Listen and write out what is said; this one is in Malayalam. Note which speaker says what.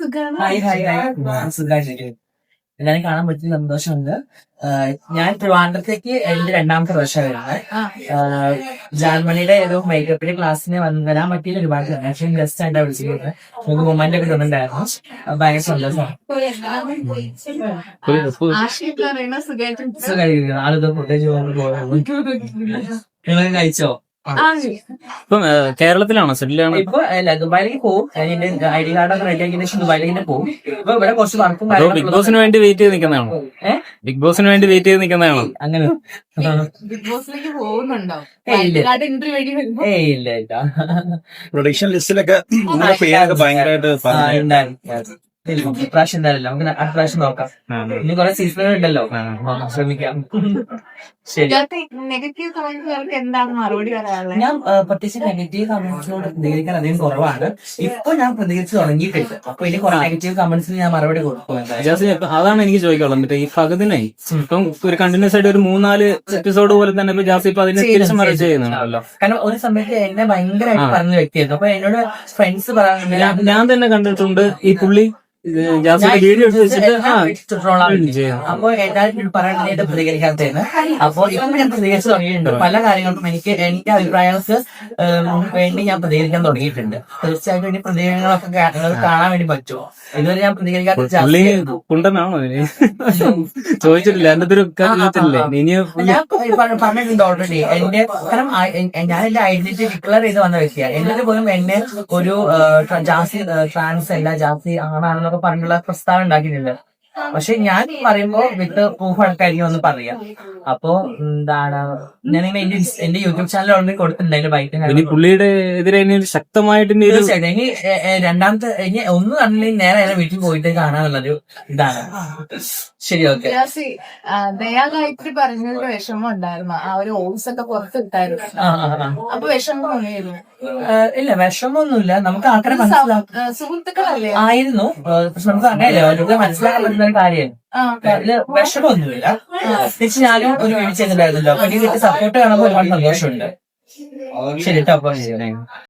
Speaker 1: Hi hi hi സുഖായിരിക്കും. എല്ലാരും കാണാൻ പറ്റിയ സന്തോഷമുണ്ട്. ഞാൻ ട്രിവാൻഡ്രത്തേക്ക് എന്റെ രണ്ടാമത്തെ വർഷം വരുന്നത്. ജർമ്മനിയുടെ ഏതോ മേക്കപ്പിന്റെ ക്ലാസ്സിന് വരാൻ പറ്റിയ ഒരുപാട് പക്ഷേ ഗസ്റ്റ് ആയിട്ടാണ് വിളിച്ചിരുന്നത്. നമുക്ക് മൊമെന്റ് ഒക്കെ തന്നിട്ടുണ്ടായിരുന്നു. ഭയങ്കര സന്തോഷം. സുഖമായിരിക്കുന്നു. ആളുകൾ പ്രത്യേകിച്ച് നിങ്ങളൊക്കെ കഴിച്ചോ?
Speaker 2: ഇപ്പം കേരളത്തിലാണോ സെറ്റിലാണ്?
Speaker 1: ഇപ്പൊ അല്ല, ദുബായിലേക്ക് പോകും. അതിന്റെ ഐഡി കാർഡൊക്കെ റെഡി ആക്കിയതിന് ശേഷം ദുബായിലേക്ക് പോകും. ഇപ്പൊ ഇവിടെ കുറച്ച് വർക്കും
Speaker 2: ബിഗ് ബോസിന് വേണ്ടി വെയിറ്റ് ചെയ്ത് നിൽക്കുന്നതാണോ? ബിഗ് ബോസിന് വേണ്ടി വെയിറ്റ് ചെയ്ത് നിൽക്കുന്നതാണോ?
Speaker 1: അങ്ങനെ
Speaker 3: ബിഗ് ബോസിലേക്ക് പോകുന്നുണ്ടോ?
Speaker 1: ഇല്ല ഇല്ല.
Speaker 4: പ്രൊഡിക്ഷൻ ലിസ്റ്റിലൊക്കെ നിങ്ങളുടെ പേരൊക്കെ ഭയങ്കരമായിട്ട്
Speaker 1: ഉണ്ടായിരുന്നു. ഇപ്രാവശ്യം എന്തായാലും നമുക്ക് അടുത്ത പ്രാവശ്യം നോക്കാം. ഇനി കുറെ സീസണുകൾ ഉണ്ടല്ലോ, ശ്രമിക്കാം. ശരി.
Speaker 3: നെഗറ്റീവ് കമന്റുകൾക്ക് എന്താണ് മറുപടി പറയാനുള്ളത്?
Speaker 1: ഞാൻ പ്രത്യേകിച്ച് നെഗറ്റീവ് കമന്റ്സിനോട് പ്രതികരിക്കാൻ അധികം കുറവാണ്. ഇപ്പൊ ഞാൻ പ്രതികരിച്ച് തുടങ്ങിയിട്ടുണ്ട്. അപ്പൊ ഇനി കുറെ നെഗറ്റീവ് കമന്റ്സിന് ഞാൻ മറുപടി കൊടുക്കും.
Speaker 2: അതാണ് എനിക്ക് ചോദിക്കാനുള്ളത്. എന്നിട്ട് ഈ ഫഹദിനെ ഇപ്പം ഒരു കണ്ടിന്യൂസ് ആയിട്ട് ഒരു 3-4 എപ്പിസോഡ് പോലെ തന്നെ ഇപ്പൊ ജാസി ഇപ്പൊ അതിനെ തിരിച്ചു മറിച്ച് ചെയ്യുന്നുണ്ടല്ലോ.
Speaker 1: കാരണം ഒരു സമയത്ത് എന്നെ ഭയങ്കരമായിട്ട് പറഞ്ഞ വ്യക്തിയായിരുന്നു. അപ്പൊ എന്നോട് ഫ്രണ്ട്സ് പറയാൻ
Speaker 2: ഞാൻ തന്നെ കണ്ടിട്ടുണ്ട് ഈ പുള്ളി വീഡിയോ
Speaker 1: അപ്പൊ എല്ലാവരും പറയുന്നത് പ്രതികരിക്കാത്തതെന്ന്. അപ്പൊ ഇപ്പം ഞാൻ പ്രതികരിച്ച് തുടങ്ങിയിട്ടുണ്ട്. പല കാര്യങ്ങൾക്കും എനിക്ക് അഭിപ്രായങ്ങൾക്ക് വേണ്ടി ഞാൻ പ്രതികരിക്കാൻ തുടങ്ങിയിട്ടുണ്ട്. തീർച്ചയായിട്ടും ഇനി പ്രതികരണങ്ങളൊക്കെ കാണാൻ വേണ്ടി പറ്റുമോ? ഇതുവരെ ഞാൻ പ്രതികരിക്കാത്ത
Speaker 2: കുണ്ടനാണോ ചോദിച്ചിട്ടില്ല. എന്റെ ഒരു
Speaker 1: ഞാൻ പറഞ്ഞിട്ടുണ്ട് ഓൾറെഡി. എന്റെ കാരണം ഞാൻ എന്റെ ഐഡന്റിറ്റി ഡിക്ലെയർ ചെയ്ത് വന്ന വ്യക്തിയാണ്. എന്നിട്ട് പോലും എന്നെ ഒരു ജാസി ട്രാൻസ് അല്ല, ജാസി ആണാണെന്നൊക്കെ പറഞ്ഞുള്ള പ്രസ്താവന ഉണ്ടാക്കിയിട്ടുണ്ട്. പക്ഷെ ഞാൻ പറയുമ്പോ വിത്ത് പ്രൂഫ് അടക്കായിരിക്കും ഒന്ന് പറയാം. അപ്പൊ എന്താണ്, ഞാനിങ്ങനെ എന്റെ യൂട്യൂബ് ചാനൽ ഓൾറെഡി കൊടുത്തിട്ടുണ്ട്. അതിന്റെ ബൈറ്റ്
Speaker 2: പുള്ളിയുടെ എതിരെ ശക്തമായിട്ട്
Speaker 1: തീർച്ചയായിട്ടും ഇനി രണ്ടാമത്തെ ഇനി ഒന്നും കണ്ടില്ലെങ്കിൽ നേരെ അതിനെ വീട്ടിൽ പോയിട്ട് കാണാനുള്ളൊരു ഇതാണ്. ശരി, ഓക്കെ.
Speaker 3: ദയാ ഗായത്രി പറഞ്ഞൊരു വിഷമം ഉണ്ടായിരുന്നു. ആ ഒരു ഓൾസ് ഒക്കെ പുറത്തിട്ടായിരുന്നു. അപ്പൊ വിഷമം തോന്നിയിരുന്നു?
Speaker 1: ഇല്ല, വിഷമമൊന്നുമില്ല. നമുക്ക് ആൾക്കാരെ മനസ്സിലാക്കാം.
Speaker 3: സുഹൃത്തുക്കളല്ലേ
Speaker 1: ആയിരുന്നു. പക്ഷെ നമുക്ക് അങ്ങനെയല്ല, മനസ്സിലാക്കാൻ പറ്റുന്ന ഒരു കാര്യമാണ്. അതില് വിഷമമൊന്നുമില്ല. തിരിച്ച് ഞാനും ഒരു വീഴ്ച ചെയ്തിട്ടുണ്ടായിരുന്നല്ലോ. അപ്പൊ എനിക്ക് സപ്പോർട്ട് കാണുമ്പോൾ ഒരുപാട് സന്തോഷമുണ്ട്. ശരി കേട്ടോ. അപ്പൊ